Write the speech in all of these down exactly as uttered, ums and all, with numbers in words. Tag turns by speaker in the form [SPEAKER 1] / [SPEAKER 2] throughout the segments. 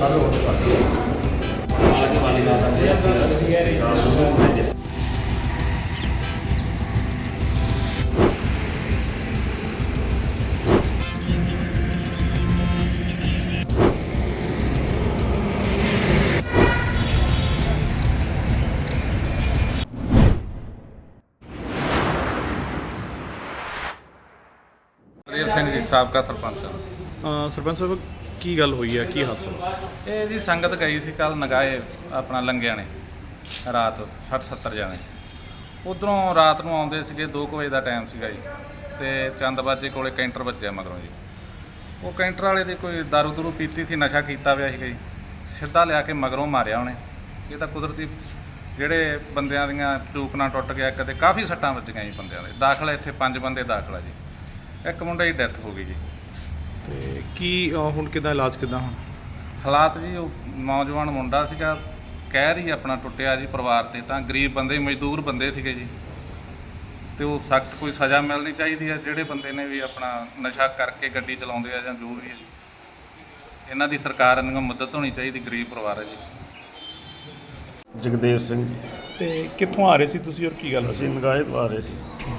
[SPEAKER 1] देव सिंह जी साबका सरपंच।
[SPEAKER 2] ਸਰਪੰਚ ਸਾਹਿਬ ਕੀ ਗੱਲ ਹੋਈ ਹੈ, ਕੀ ਹਾਦਸਾ?
[SPEAKER 1] ਇਹ ਜੀ ਸੰਗਤ ਗਈ ਸੀ ਕੱਲ ਨਗਾਏ ਆਪਣਾ ਲੰਗਿਆਂ ਨੇ ਰਾਤ ਸੱਠ ਸੱਤਰ ਜਾਣੇ ਉੱਧਰੋਂ ਰਾਤ ਨੂੰ ਆਉਂਦੇ ਸੀਗੇ। ਦੋ ਕੁ ਵਜੇ ਦਾ ਟਾਈਮ ਸੀਗਾ ਜੀ ਅਤੇ ਚੰਦਬਾਜੇ ਕੋਲੇ ਕੈਂਟਰ ਵੱਜਿਆ ਮਗਰੋਂ ਜੀ। ਉਹ ਕੈਂਟਰ ਵਾਲੇ ਦੀ ਕੋਈ ਦਾਰੂ ਦੂਰੂ ਪੀਤੀ ਸੀ, ਨਸ਼ਾ ਕੀਤਾ ਪਿਆ ਸੀਗਾ ਜੀ। ਸਿੱਧਾ ਲਿਆ ਕੇ ਮਗਰੋਂ ਮਾਰਿਆ ਉਹਨੇ। ਇਹ ਤਾਂ ਕੁਦਰਤੀ ਜਿਹੜੇ ਬੰਦਿਆਂ ਦੀਆਂ ਚੂਕ ਨਾਲ ਟੁੱਟ ਗਿਆ, ਕਦੇ ਕਾਫੀ ਸੱਟਾਂ ਵੱਜੀਆਂ ਜੀ ਬੰਦਿਆਂ ਦੇ। ਦਾਖਲ ਇੱਥੇ ਪੰਜ ਬੰਦੇ ਦਾਖਲ ਆ ਜੀ। ਇੱਕ ਮੁੰਡੇ ਦੀ ਡੈਥ ਹੋ ਗਈ ਜੀ।
[SPEAKER 2] ਤੇ ਕੀ ਅਹ, ਹੁਣ ਕਿੱਦਾਂ ਇਲਾਜ ਕਿੱਦਾਂ ਹੁਣ?
[SPEAKER 1] ਹਾਲਾਤ ਜੀ ਉਹ ਨੌਜਵਾਨ ਮੁੰਡਾ ਸੀਗਾ, ਕਹਿਰ ਹੀ ਆਪਣਾ ਟੁੱਟਿਆ ਜੀ ਪਰਿਵਾਰ 'ਤੇ। ਤਾਂ ਗਰੀਬ ਬੰਦੇ, ਮਜ਼ਦੂਰ ਬੰਦੇ ਸੀਗੇ ਜੀ, ਅਤੇ ਉਹ ਸਖਤ ਕੋਈ ਸਜ਼ਾ ਮਿਲਣੀ ਚਾਹੀਦੀ ਹੈ ਜਿਹੜੇ ਬੰਦੇ ਨੇ ਵੀ ਆਪਣਾ ਨਸ਼ਾ ਕਰਕੇ ਗੱਡੀ ਚਲਾਉਂਦੇ ਆ ਜਾਂ ਜੋ ਵੀ ਹੈ ਜੀ। ਇਹਨਾਂ ਦੀ ਸਰਕਾਰ ਨੂੰ ਮਦਦ ਹੋਣੀ ਚਾਹੀਦੀ, ਗਰੀਬ ਪਰਿਵਾਰ ਹੈ ਜੀ।
[SPEAKER 3] ਜਗਦੇਵ ਸਿੰਘ ਜੀ।
[SPEAKER 2] ਤੇ ਕਿੱਥੋਂ ਆ ਰਹੇ ਸੀ ਤੁਸੀਂ ਔਰ ਕੀ ਗੱਲ
[SPEAKER 3] ਅਸੀਂ
[SPEAKER 2] ਹੋਈ?
[SPEAKER 3] ਨਗਾਏ ਤੋਂ ਆ ਰਹੇ ਸੀ।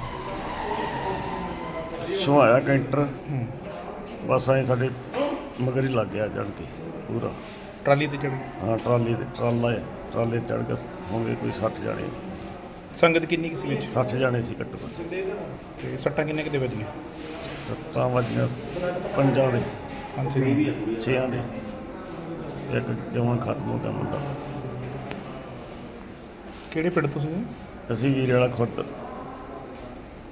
[SPEAKER 3] ਛੁਹਾਇਆ ਕੈਂਟਰ,
[SPEAKER 2] ਹੂੰ।
[SPEAKER 3] ਬਸ ਐਂ ਸਾਡੇ ਮਗਰ ਹੀ ਲੱਗ ਗਿਆ ਚੜ੍ਹ ਕੇ ਪੂਰਾ।
[SPEAKER 2] ਟਰਾਲੀ ਤੇ ਚੜ੍ਹ ਗਏ?
[SPEAKER 3] ਹਾਂ, ਟਰਾਲੀ ਤੇ ਟਰਾਲਾ ਹੈ, ਟਰਾਲੇ 'ਤੇ ਚੜ੍ਹ ਕੇ ਹੋਣਗੇ ਕੋਈ ਸੱਠ ਜਾਣੇ।
[SPEAKER 2] ਸੰਗਤ ਕਿੰਨੀ ਕੁ ਸੀ ਵਿੱਚ?
[SPEAKER 3] ਸੱਠ ਜਾਣੇ ਸੀ ਘੱਟੋ ਘੱਟ।
[SPEAKER 2] ਤੇ ਸੱਟਾਂ ਕਿੰਨੇ ਕਿਤੇ ਵੱਜੀਆਂ?
[SPEAKER 3] ਸੱਤਾਂ ਵੱਜੀਆਂ ਪੰਜਾਂ ਦੇ,
[SPEAKER 2] ਪੰਜ ਛੇ?
[SPEAKER 3] ਛੇਆਂ ਦੇ। ਇੱਕ ਜਮਾਂ ਖਤਮ ਹੋ ਗਿਆ ਮੁੰਡਾ।
[SPEAKER 2] ਕਿਹੜੇ ਪਿੰਡ ਤੋਂ ਸੀ?
[SPEAKER 3] ਅਸੀਂ ਵੀਰੇ ਵਾਲਾ ਖੁਰਦ